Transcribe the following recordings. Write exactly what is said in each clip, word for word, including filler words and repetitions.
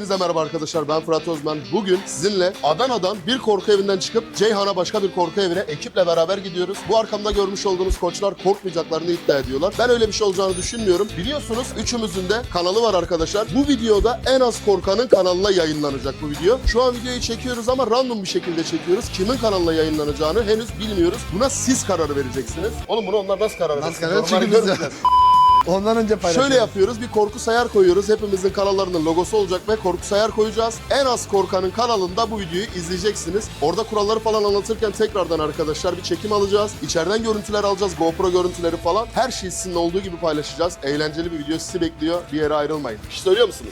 Hepinize merhaba arkadaşlar, ben Fırat Özmen. Bugün sizinle Adana'dan bir korku evinden çıkıp Ceyhan'a başka bir korku evine ekiple beraber gidiyoruz. Bu arkamda görmüş olduğunuz koçlar korkmayacaklarını iddia ediyorlar. Ben öyle bir şey olacağını düşünmüyorum. Biliyorsunuz üçümüzün de kanalı var arkadaşlar. Bu videoda en az korkanın kanalına yayınlanacak bu video. Şu an videoyu çekiyoruz ama random bir şekilde çekiyoruz. Kimin kanalına yayınlanacağını henüz bilmiyoruz. Buna siz karar vereceksiniz. Oğlum bunu onlar nasıl karar verecek? Nasıl karar verecek? Çünkü biz ondan önce paylaşıyoruz. Şöyle yapıyoruz, bir korku sayar koyuyoruz. Hepimizin kanallarının logosu olacak ve korku sayar koyacağız. En az korkanın kanalında bu videoyu izleyeceksiniz. Orada kuralları falan anlatırken tekrardan arkadaşlar bir çekim alacağız. İçeriden görüntüler alacağız, GoPro görüntüleri falan. Her şeyi sizinle olduğu gibi paylaşacağız. Eğlenceli bir video sizi bekliyor. Bir yere ayrılmayın. Bir şey söylüyor musunuz?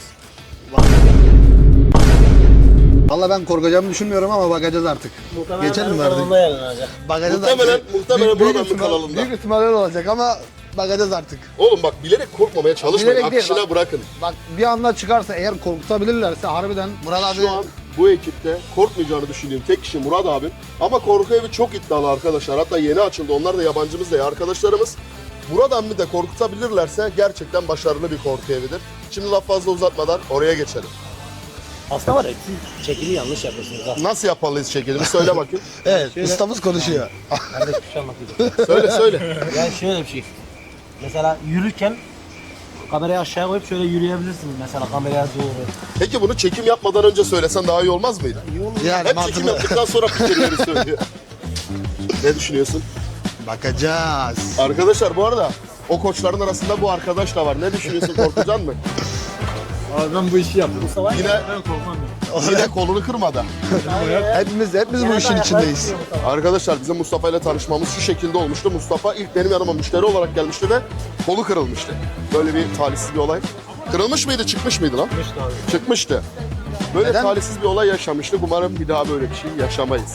Valla ben korkacağımı düşünmüyorum ama bakacağız artık. Muhtemelen Geçelim mi benim artık? kanalımda yayınlanacak. Bakacağız Muhtemelen, artık. muhtemelen Büyük- büyük buradan bir ihtimal- kanalında. Büyük ihtimal öyle olacak ama bakacağız artık. Oğlum bak, bilerek korkmamaya çalışmayın. Bilerek değil, Akışına bak. bırakın. Bak bir anda çıkarsa eğer korkutabilirlerse harbiden Murat abi... Şu an bu ekipte korkmayacağını düşündüğüm tek kişi Murat abim. Ama korku evi çok iddialı arkadaşlar. Hatta yeni açıldı. Onlar da yabancımız da arkadaşlarımız. Murat abimi de korkutabilirlerse gerçekten başarılı bir korku evidir. Şimdi laf fazla uzatmadan oraya geçelim. Aslında var ya siz çekimi yanlış yapıyorsunuz ha. Nasıl yapmalıyız çekilimi? Söyle bakayım. Evet, Şöyle- ustamız konuşuyor. Kardeş bir şey anlatayım. Söyle söyle. Yani şöyle bir şey. Mesela yürürken kamerayı aşağıya koyup şöyle yürüyebilirsiniz mesela kameraya doğru. Peki bunu çekim yapmadan önce söylesen daha iyi olmaz mıydı? İyi olur. Yani Hep çekim mantıklı. yaptıktan sonra fikirleri söylüyor. Ne düşünüyorsun? Bakacağız. Arkadaşlar bu arada o koçların arasında bu arkadaş da var. Ne düşünüyorsun? Korkacaksın mı? Abi ben bu işi yaptım. Mustafa Yine Ben korkmam ya. yine kolunu kırmadı. Hepimiz, hepimiz bu işin içindeyiz. Arkadaşlar bizim Mustafa ile tanışmamız şu şekilde olmuştu. Mustafa ilk benim yanıma müşteri olarak gelmişti ve kolu kırılmıştı. Böyle bir talihsiz bir olay. Kırılmış mıydı, çıkmış mıydı lan? Çıkmıştı abi. Çıkmıştı. Böyle Neden? talihsiz bir olay yaşamıştık. Umarım bir daha böyle bir şey yaşamayız.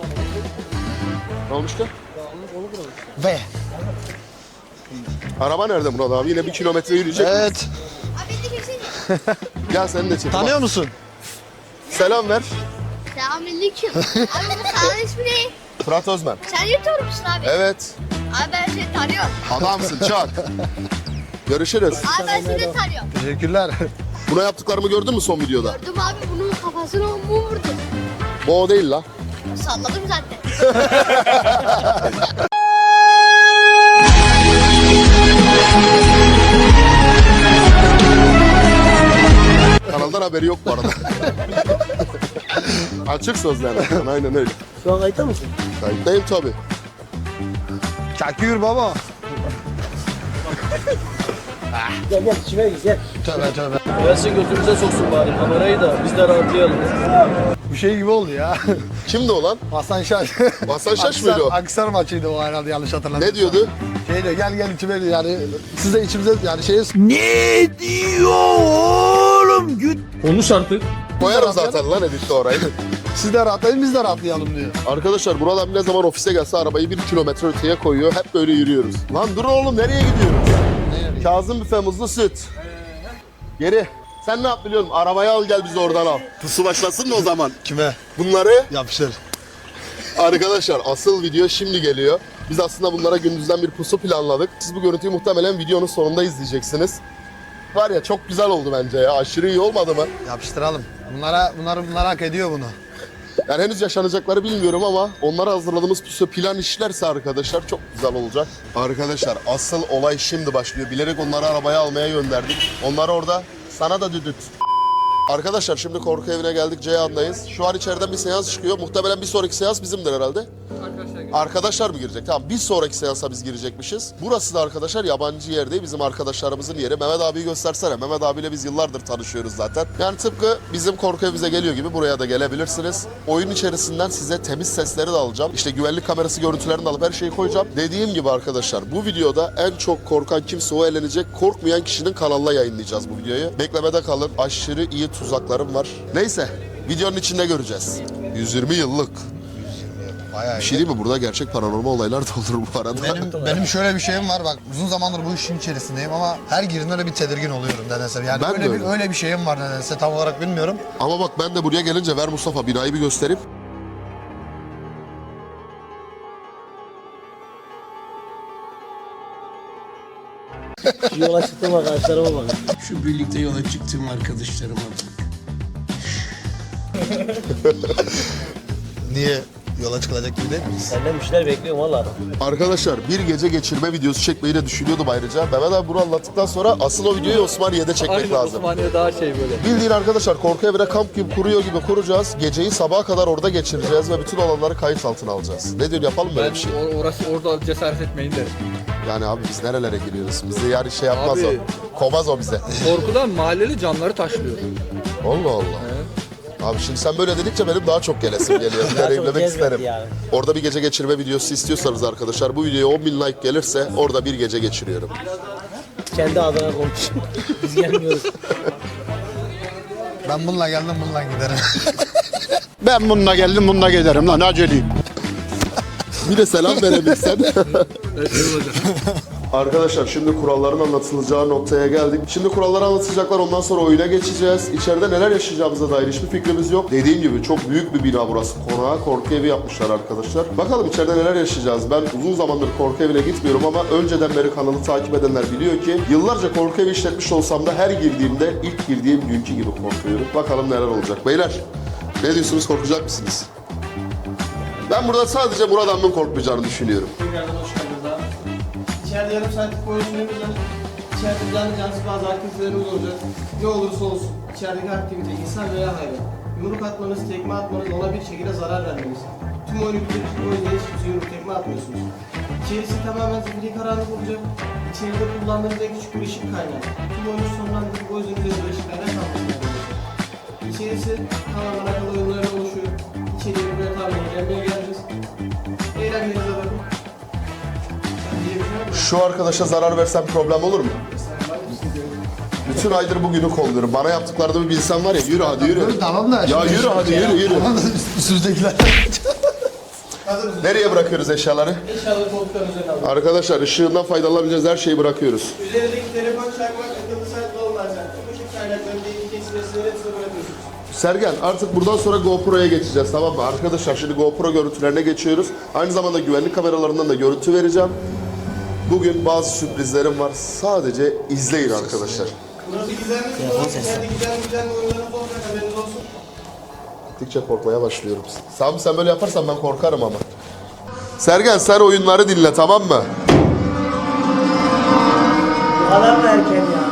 Ne olmuştu? Ve Araba nerede Murat abi? Yine bir kilometre yürüyecek. evet. Gel seni de çek. Tanıyor musun? Selam ver. Selamünaleyküm. Abi bu kanalın ismi ne? Fırat Özmen. Sen YouTuber musun abi? Evet. Abi ben seni tanıyorum. Adamsın çak. Görüşürüz. Abi ben seni de tanıyorum. Teşekkürler. Buna yaptıklarımı gördün mü son videoda? Gördüm abi bunun kafasına mum vurdu. Bu o değil la. Salladım zaten. Kanaldan haberi yok bu arada. Açık sözlerden. Aynen öyle. Şu an kayıtta mısın? Kayıttayım tabii. Çakıyor baba. Gel gel içime gir gel. Tövbe tövbe. Gelsin götümüze soksun bari kamerayı da biz de rahatlayalım. Bu şey gibi oldu ya. Kimdi o lan? Hasan Şaş. Hasan Şaş mıydı o? Aksar maçıydı o herhalde yanlış hatırlamıyorum. Ne diyordu? Şey diyor gel gel içime diyor, yani siz de içimize yani şey Konuş artık. Koyarım zaten lan editte orayı. siz de rahatlayın biz de rahatlayalım diyor. Arkadaşlar Murat abi ne zaman ofise gelse arabayı bir kilometre öteye koyuyor. Hep böyle yürüyoruz. Lan dur oğlum, nereye gidiyoruz? Kazım büfe muzlu süt. Geri. Sen ne yap biliyorum? Arabayı al gel bizi oradan al. Pusu başlasın mı o zaman? Kime? Bunları Yapıştır. arkadaşlar asıl video şimdi geliyor. Biz aslında bunlara gündüzden bir pusu planladık. Siz bu görüntüyü muhtemelen videonun sonunda izleyeceksiniz. Var ya çok güzel oldu bence ya. Aşırı iyi olmadı mı? Yapıştıralım. Bunlara bunlar bunlar hak ediyor bunu. Yani henüz yaşanacakları bilmiyorum ama onlara hazırladığımız pusu plan işlerse arkadaşlar çok güzel olacak. Arkadaşlar asıl olay şimdi başlıyor. Bilerek onları arabaya almaya gönderdik. Onlar orada sana da düdüt. Arkadaşlar şimdi korku evine geldik, Ceyhan'dayız. Şu an içeriden bir seans çıkıyor. Muhtemelen bir sonraki seans bizimdir herhalde. Arkadaşlar mı girecek? Tamam, bir sonraki seansa biz girecekmişiz. Burası da arkadaşlar yabancı yer değil, bizim arkadaşlarımızın yeri. Mehmet abiyi göstersene. Mehmet abiyle biz yıllardır tanışıyoruz zaten. Yani tıpkı bizim korku evimize geliyor gibi buraya da gelebilirsiniz. Oyun içerisinden size temiz sesleri de alacağım. İşte güvenlik kamerası görüntülerini de alıp her şeyi koyacağım. Dediğim gibi arkadaşlar bu videoda en çok korkan kimse o eğlenecek. Korkmayan kişinin kanalına yayınlayacağız bu videoyu. Beklemede kalın. Aşırı iyi tuzaklarım var. Neyse, videonun içinde göreceğiz. yüz yirmi yıllık. Bayağı Bir şey değil mi? Burada gerçek paranormal olaylar da olur bu arada. Benim, benim şöyle bir şeyim var bak uzun zamandır bu işin içerisindeyim ama her girdiğimde öyle bir tedirgin oluyorum nedense. Yani Ben de öyle bir öyle. öyle bir şeyim var nedense tam olarak bilmiyorum. Ama bak ben de buraya gelince ver Mustafa binayı bir göstereyim. Yola çıktım arkadaşlarıma bakın. Şu birlikte yola çıktığım arkadaşlarıma bak. Niye? Yola çıkılacak gibi değil miyiz? Senden bir şeyler bekliyorum valla. Arkadaşlar bir gece geçirme videosu çekmeyi de düşünüyordum ayrıca. Mehmet abi bunu anlattıktan sonra asıl o videoyu Osmaniye'de çekmek Aynen lazım. Osmaniye daha şey böyle. Bildiğin arkadaşlar korku evine kamp gibi kuruyor gibi kuracağız. Geceyi sabaha kadar orada geçireceğiz ve bütün olanları kayıt altına alacağız. Ne diyor yapalım böyle Ben bir şey? or- orası orada cesaret etmeyin derim. Yani abi biz nerelere giriyoruz? Bizi yani şey yapmaz Abi. o. Kovmaz o bize. Korkudan mahalleli camları taşlıyor. Allah Allah. Abi şimdi sen böyle dedikçe benim daha çok gelesim geliyor. Daha çok Deneyimlemek cezbetti isterim. yani. Orada bir gece geçirme videosu istiyorsanız arkadaşlar bu videoya on bin like gelirse orada bir gece geçiriyorum. Kendi adına konuş. Biz gelmiyoruz. Ben bununla geldim bununla giderim. Ben bununla geldim bununla giderim lan aceleyim. Bir de selam verebilsen. Evet, şey olacak. Arkadaşlar şimdi kuralların anlatılacağı noktaya geldik. Şimdi kuralları anlatacaklar, ondan sonra oyuna geçeceğiz. İçeride neler yaşayacağımıza dair hiçbir fikrimiz yok. Dediğim gibi çok büyük bir bina burası. Konağa korku evi yapmışlar arkadaşlar. Bakalım içeride neler yaşayacağız. Ben uzun zamandır korku evine gitmiyorum ama önceden beri kanalı takip edenler biliyor ki yıllarca korku evi işletmiş olsam da her girdiğimde ilk girdiğim günkü gibi korkuyorum. Bakalım neler olacak. Beyler ne diyorsunuz, korkacak mısınız? Ben burada sadece Murat Han'ın korkmayacağını düşünüyorum. Tekrardan hoş geldiniz abi. İçeride yarım saatlik boyun süremiz var. İçeride canlı cansız bazı aktivitelerimiz olacak. Ne olursa olsun içerideki aktivite insan veya hayvan. Yumruk atmanız, tekme atmanız, ona bir şekilde zarar vermeniz. Tüm oyunu bitirip o yüzden hiç kimse yumruk tekme atmıyorsunuz. İçerisi tamamen zifiri karanlık olacak. İçeride kullandığınız en küçük bir ışık kaynağı. Tüm oyunu sonlandırıp o yüzden üzerinde ışıklardan kalmasını İçerisi tamamen akıllı oyunlarla oluşuyor. İçeriye buraya tabi eğlenmeye geleceğiz. Eğlenmenize bakın. Şu arkadaşa zarar versem problem olur mu? Bütün aydır bugünü kolluyorum. Bana yaptıklarını bir bilsen var ya, yürü hadi yürü. Tamam da. Ya yürü hadi yürü yürü. Üstümüzdekiler. Nereye bırakıyoruz eşyaları? İnşallah koltukların üzerine alın. Arkadaşlar ışığından faydalanabileceğiniz her şeyi bırakıyoruz. Üzerindeki telefon, çakmak, akıllı saat, dolunay saat. Bu tip kaynakların değişik kesimlerini hepsini bırakıyorsunuz. Sergen artık buradan sonra GoPro'ya geçeceğiz, tamam mı? Arkadaşlar şimdi GoPro görüntülerine geçiyoruz. Aynı zamanda güvenlik kameralarından da görüntü vereceğim. Bugün bazı sürprizlerim var. Sadece izleyin arkadaşlar. Burası gizemli spor. İçeride gizemli gizemli oyunlarımız olacak, haberiniz olsun. Gittikçe korkmaya başlıyorum. Sami sen böyle yaparsan ben korkarım ama. Sergen sen oyunları dinle, tamam mı? Bu kadar mı erken ya?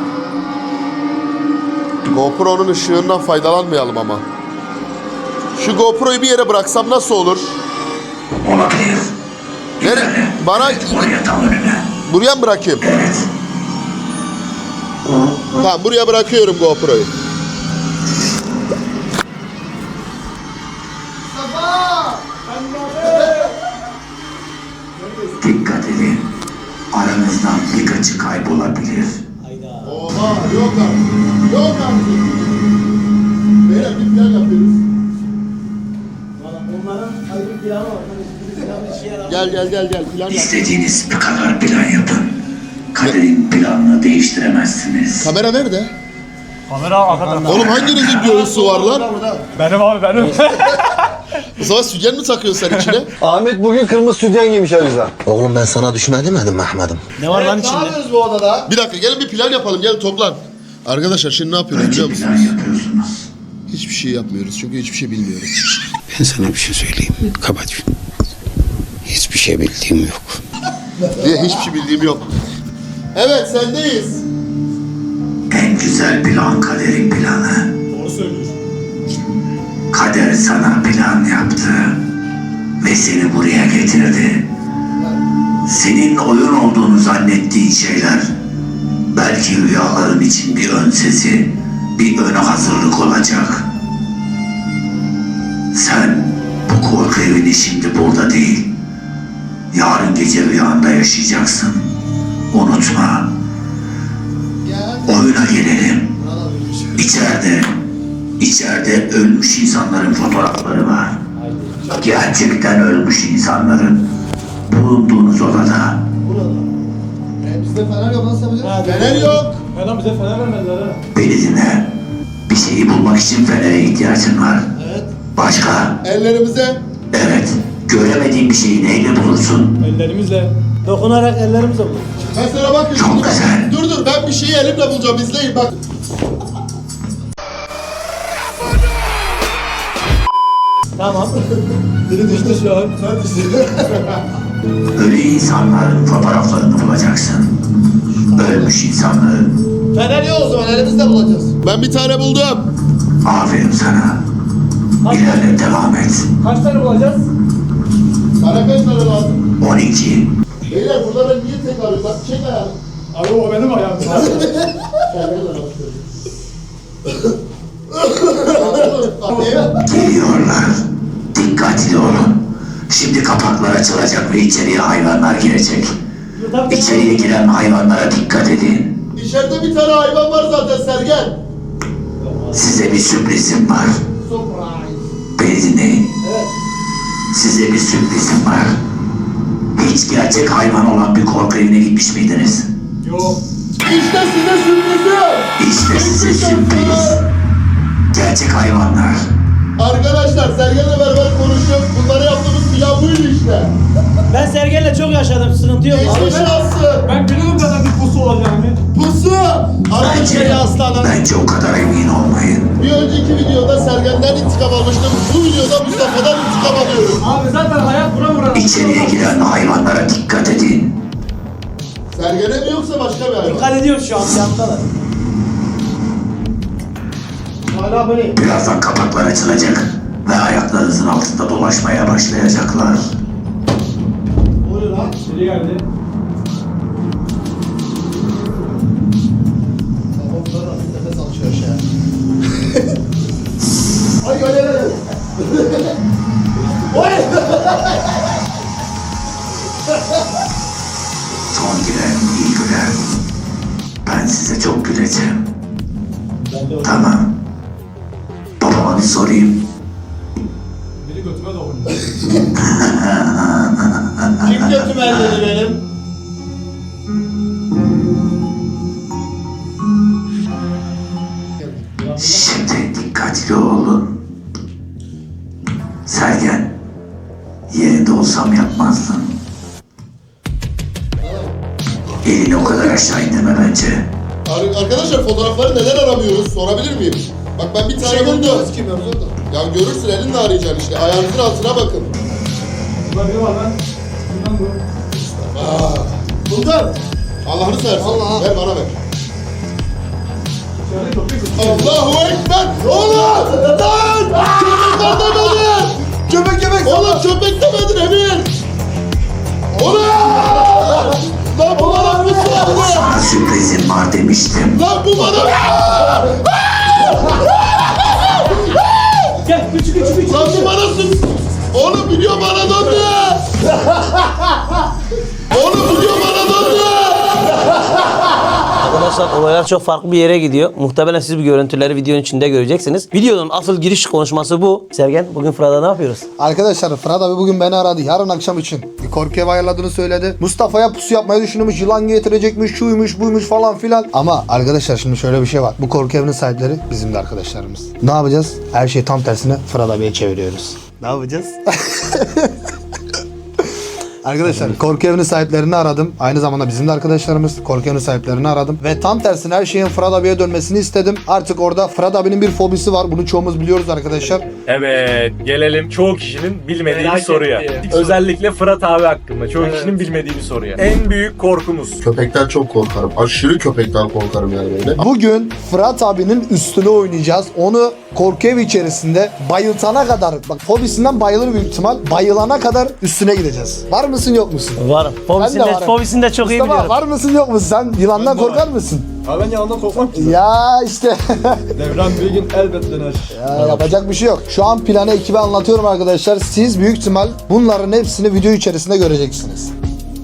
GoPro'nun ışığından faydalanmayalım ama. Şu GoPro'yu bir yere bıraksam nasıl olur? Olabilir. Nere? Bana Oraya tam önüne. buraya mı bırakayım? Evet. Tamam buraya bırakıyorum GoPro'yu. Dikkat edin. Aranızdan birkaçı kaybolabilir. Hayda. Oha yok artık. Yok artık. Beyler bir plan yapıyoruz. Valla onların ayrı bir planı var. Hani bir planı işe yarar. Gel gel gel gel plan yap. İstediğiniz bir kadar plan yapın. Kaderin planını değiştiremezsiniz. Kamera nerede? Kamera arkada. Oğlum hanginizin göğüsü var lan? Benim abi benim. O zaman sütyen mi takıyorsun sen içine? Ahmet bugün kırmızı sütyen giymiş Aliza. Oğlum ben sana düşme demedim mi Ahmet'im? Ne var lan Ne içinde? yapıyoruz bu odada? Bir dakika gelin bir plan yapalım, gelin toplan. Arkadaşlar şimdi ne yapıyoruz biliyor Önce plan musunuz? yapıyorsunuz. Hiçbir şey yapmıyoruz çünkü hiçbir şey bilmiyoruz. Ben sana bir şey söyleyeyim. Kapat. Hiçbir şey bildiğim yok. Diye hiçbir şey bildiğim yok. Evet sendeyiz. En güzel plan kaderin planı. Doğru söylüyorsun. Kader sana plan yaptı. Ve seni buraya getirdi. Senin oyun olduğunu zannettiğin şeyler belki rüyaların için bir ön sesi, bir ön hazırlık olacak. Sen bu korku evini şimdi burada değil, yarın gece rüyanda yaşayacaksın. Unutma. Oyuna gelelim. İçeride, içeride ölmüş insanların fotoğrafları var. Gerçekten ölmüş insanların bulunduğunuz odada. E, bizde fener yok nasıl yapacağız? Fener yok. Adam bize fener vermediler ha. Beni dinle. Bir şeyi bulmak için fenere ihtiyacın var. Evet. Başka? Ellerimize. Evet. Göremediğin bir şeyi neyle bulursun? Ellerimizle. Dokunarak ellerimize vurur. Mesela bakın. Çok güzel. Dur dur ben bir şeyi elimle bulacağım, izleyin bak. Tamam. Biri düştü şu an. Sen düştün. Ölü insanların fotoğraflarını bulacaksın. Ölmüş insanların. Fener yok o zaman elimizde bulacağız. Ben bir tane buldum. Aferin sana. İlerle devam et. Kaç tane bulacağız? Sana kaç tane lazım? on iki. Beyler burada ben niye tek arıyorum? Bak çek ayağını. Abi o benim ayağım. Geliyorlar. Dikkatli olun. Şimdi kapaklar açılacak ve içeriye hayvanlar girecek. İçeriye giren hayvanlara dikkat edin. İçeride bir tane hayvan var zaten Sergen. Size bir sürprizim var. Beni dinleyin. Size bir sürprizim var. Hiç gerçek hayvan olan bir korku evine gitmiş miydiniz? Yok. İşte size sürprizim. İşte size sürpriz. Gerçek hayvanlar. Arkadaşlar Sergen'le beraber konuşup bunları yaptığımız plan buydu işte. Ben Sergen'le çok yaşadım. Sıkıntı yok. Geçmiş olsun. Ben biliyordum kadar bir pusu olacağını. Pusu. Bence, aslanım. bence o kadar emin olmayın. Bir önceki videoda Sergen'den intikam almıştım. Bu videoda Mustafa'dan intikam alıyorum. Abi zaten hayat bura bura. İçeriye giren hayvanlara dikkat edin. Sergen'e mi yoksa başka bir hayvan? Dikkat ediyorum şu an yandalar. Hala böyle. Birazdan kapaklar açılacak ve ayaklarınızın altında dolaşmaya başlayacaklar. Ne oluyor lan? Biri geldi. Kafamda nefes alışıyor şey. Ay ay ay ay. Oy! Son giren iyi güler. Ben size çok güleceğim. Tamam. Babama bir sorayım. Biri götüme dokunuyor. Kim götümü elledi benim? Şimdi dikkatli olun. Sergen, yerinde olsam yapmazdın. Elini o kadar aşağı indirme bence. Ar- Arkadaşlar fotoğrafları neden aramıyoruz? Sorabilir miyim? Bak ben bir tane buldum. Kim yapıyor da? Ya görürsün elinle arayacaksın işte. Ayağınızın altına bakın. Burada biri var lan. Bundan bu. Aa, buldum. Allah'ını seversen. Allah. Ver bana ver. İçeride köpek yok. Allahu Ekber! Oğlum! Lan! Köpekler demedin! Köpek köpek. Oğlum köpek demedin Emir! Oğlum! Lan bu bana bir sordu! Sana sürprizim var demiştim. Lan bu bana... Gel küçük küçük küçük. Lan bu bana sür... Oğlum video bana döndü! Oğlum video bana döndü! Arkadaşlar olaylar çok farklı bir yere gidiyor. Muhtemelen siz bu görüntüleri videonun içinde göreceksiniz. Videonun asıl giriş konuşması bu. Sergen bugün Fırat'ta ne yapıyoruz? Arkadaşlar Fırat abi bugün beni aradı. Yarın akşam için bir korku evi ayarladığını söyledi. Mustafa'ya pusu yapmayı düşünüyormuş. Yılan getirecekmiş, şuymuş, buymuş falan filan. Ama arkadaşlar şimdi şöyle bir şey var. Bu korku evinin sahipleri bizim de arkadaşlarımız. Ne yapacağız? Her şeyi tam tersine Fırat abiye çeviriyoruz. Ne yapacağız? Arkadaşlar korku evinin sahiplerini aradım. Aynı zamanda bizim de arkadaşlarımız. Korku evinin sahiplerini aradım. Ve tam tersine her şeyin Fırat abiye dönmesini istedim. Artık orada Fırat abinin bir fobisi var. Bunu çoğumuz biliyoruz arkadaşlar. Evet, gelelim çoğu kişinin bilmediği Merak bir soruya. ettiği. Özellikle Fırat abi hakkında çoğu kişinin bilmediği bir soruya. En büyük korkumuz. Köpekten çok korkarım. Aşırı köpekten korkarım yani böyle. Bugün Fırat abinin üstüne oynayacağız. Onu korku evi içerisinde bayıltana kadar, bak fobisinden bayılır büyük ihtimal. Bayılana kadar üstüne gideceğiz. Var mısın yok musun? Varım. Ben de Fobisini de, varım. fobisini de çok iyi Mustafa, biliyorum. var mısın yok musun? Sen yılandan korkar mısın? Abi ben yalandan korkmam ki. Ya işte. Devran bir gün elbet döner. Ya yapacak bir şey yok. Şu an planı ekibe anlatıyorum arkadaşlar. Siz büyük ihtimal bunların hepsini video içerisinde göreceksiniz.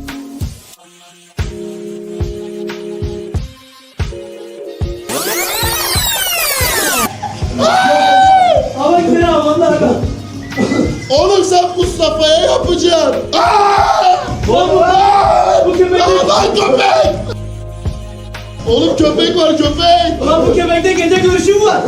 Ama gidelim onlar da. Oğlum sen Mustafa'ya yapacaksın. Aa! Bu köpek. Aa, lan köpek! Oğlum köpek var köpek. Lan bu köpekte gece görüşüm var.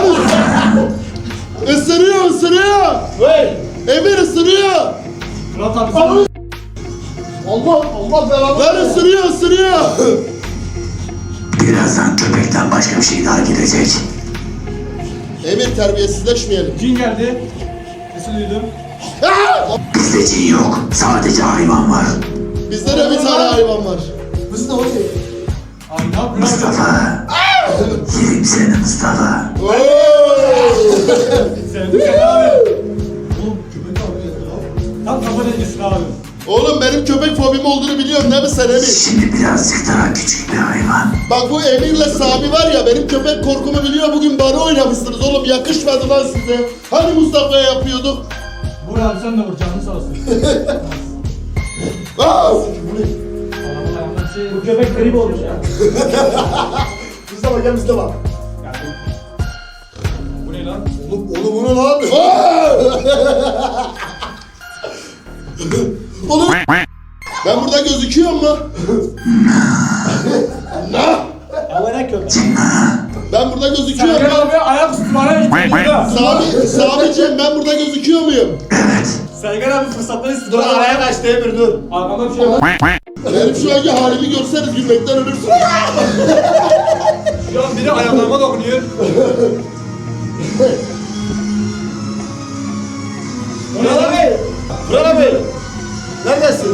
Isırıyor ısırıyor. Emir ısırıyor. Fırat abi sen... Allah Allah belanı. Lan ısırıyor ısırıyor. Birazdan köpekten başka bir şey daha gidecek. Emir terbiyesizleşmeyelim. Cin geldi. sinirdim. Bizde cin yok. Sadece hayvan var. Bizde de bir tane hayvan var. Bizde o şey. Ay ne yapıyorsun abi? Mustafa. Yerim seni Mustafa. Sevdim seni abi. Oğlum köpek abi geldi lan. Tam kafa dengesin abi. Oğlum benim köpek fobim olduğunu biliyorsun değil mi sen Emir? Şimdi birazcık daha küçük bir hayvan. Bak bu Emir'le Sami var ya benim köpek korkumu biliyor, bugün bana oynamışsınız oğlum, yakışmadı lan size. Hani Mustafa'ya yapıyorduk? Vur abi sen de vur canını sağ olsun. Aa! Bu köpek grip olmuş ya. Mustafa gel Mustafa. Bu ne lan? Oğlum oğlum bu ne lan? Oğlum ben burada gözüküyor mu? Ne? Ama ne köpek? Ben burada gözüküyor Sergen muyum? abi ayak üstü bana gitti burada. Sami, Sami'ciğim ben burada gözüküyor muyum? Sergen abi fırsatları istiyor. Dur araya kaçtı Emir dur. Arkamda bir şey var. Benim şu anki halimi görseniz gülmekten ölürsünüz. Şu an biri ayaklarıma dokunuyor. Fırat abi. Fırat abi. Neredesin?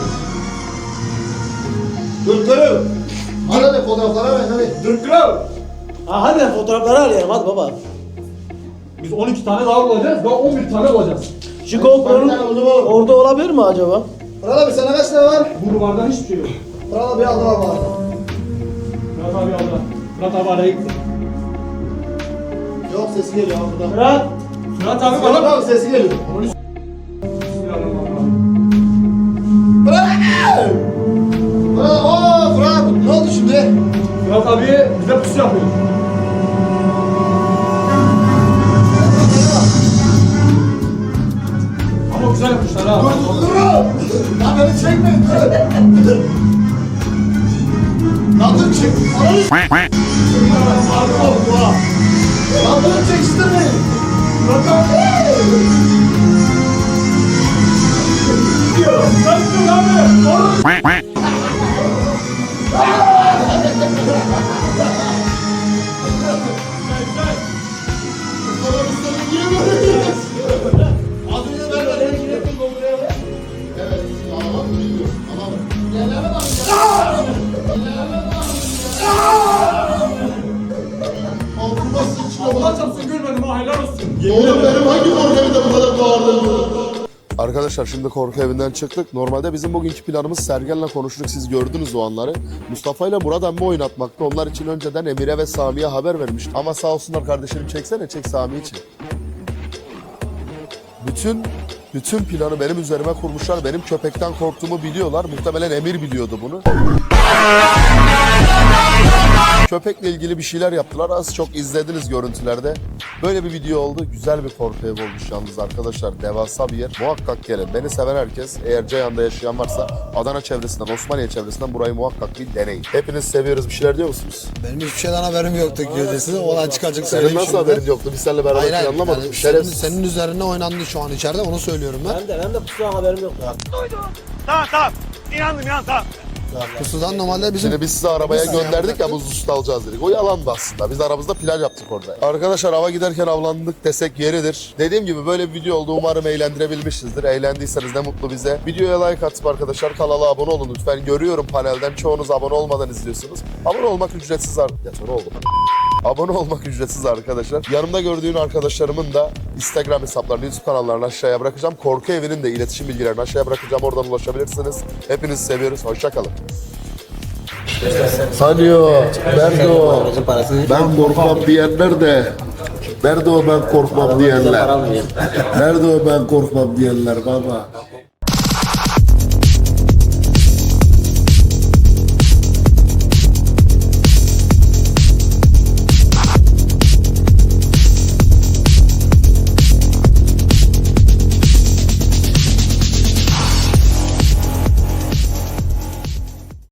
Dur dur. Hadi fotoğraflara ver hadi. Dur kral. Ha hadi fotoğrafları arayalım hadi baba. Biz on iki tane daha bulacağız. Daha on bir tane bulacağız. Şu GoPro'nun orada olabilir mi acaba? Fırat abi sana kaç tane var? Bu duvardan hiçbir şey yok. Fırat abi aldı var bari. Fırat abi aldı. Fırat abi araya gitti. Yok sesi geliyor abi buradan. Fırat. Fırat abi Fırat bana. abi sesi geliyor. Bismillahirrahmanirrahim. Fırat abi. Fırat ooo Fırat abi ne oldu şimdi? Fırat abi bize pusu yapıyor. Ama güzel yapmışlar ha. Dur lan beni çekmeyin dur. Lan dur çek. Lan dur çekiştirmeyin. Fırat abi. Sen dur abi. Oğlum. Adını ver ver. Evet. Tamam biliyorum. Tamam. Geleme bak. Altıma sıçtım. Allah çarpsın görmedim ha helal olsun. Oğlum benim hangi korku evinde bu kadar bağırdın? Arkadaşlar şimdi korku evinden çıktık. Normalde bizim bugünkü planımız Sergen'le konuştuk. Siz gördünüz o anları. Mustafa ile Murat emmi oynatmaktı. Onlar için önceden Emir'e ve Sami'ye haber vermiştim. Ama sağ olsunlar kardeşim, çeksene, çek Sami için. Bütün bütün planı benim üzerime kurmuşlar. Benim köpekten korktuğumu biliyorlar. Muhtemelen Emir biliyordu bunu. Köpekle ilgili bir şeyler yaptılar. Az çok izlediniz görüntülerde. Böyle bir video oldu. Güzel bir korku evi olmuş yalnız arkadaşlar. Devasa bir yer. Muhakkak gelin. Beni seven herkes, eğer Ceyhan'da yaşayan varsa Adana çevresinden, Osmaniye çevresinden burayı muhakkak bir deneyin. Hepiniz seviyoruz. Bir şeyler diyor musunuz? Benim hiçbir şeyden haberim yoktu gecesi. Olan çıkacak Senin söyleyeyim nasıl şimdi. haberin yoktu? Biz seninle beraber Hayır hayır. planlamadık. Yani Yani senin, senin üzerine oynandı şu an içeride onu söylüyorum ben. Ben de ben de pusudan haberim yok. Pusudan normalde bizim Şimdi biz sizi arabaya gönderdik ya, buzlu alacağız dedik. O yalandı aslında. Biz aramızda plan yaptık orada. Arkadaşlar hava giderken avlandık desek yeridir. Dediğim gibi böyle bir video oldu. Umarım eğlendirebilmişizdir. Eğlendiyseniz ne mutlu bize. Videoya like atıp arkadaşlar kanala abone olun lütfen. Görüyorum panelden çoğunuz abone olmadan izliyorsunuz. Abone olmak ücretsiz artık. Ya sonra oldu. Abone olmak ücretsiz arkadaşlar. Yanımda gördüğün arkadaşlarımın da Instagram hesaplarını, YouTube kanallarını aşağıya bırakacağım. Korku Evi'nin de iletişim bilgilerini aşağıya bırakacağım. Oradan ulaşabilirsiniz. Hepinizi seviyoruz. Hoşça kalın. Sanıyor. Berdo. Ben korkmam diyenler de. Berdo ben korkmam diyenler. Berdo ben korkmam diyenler baba.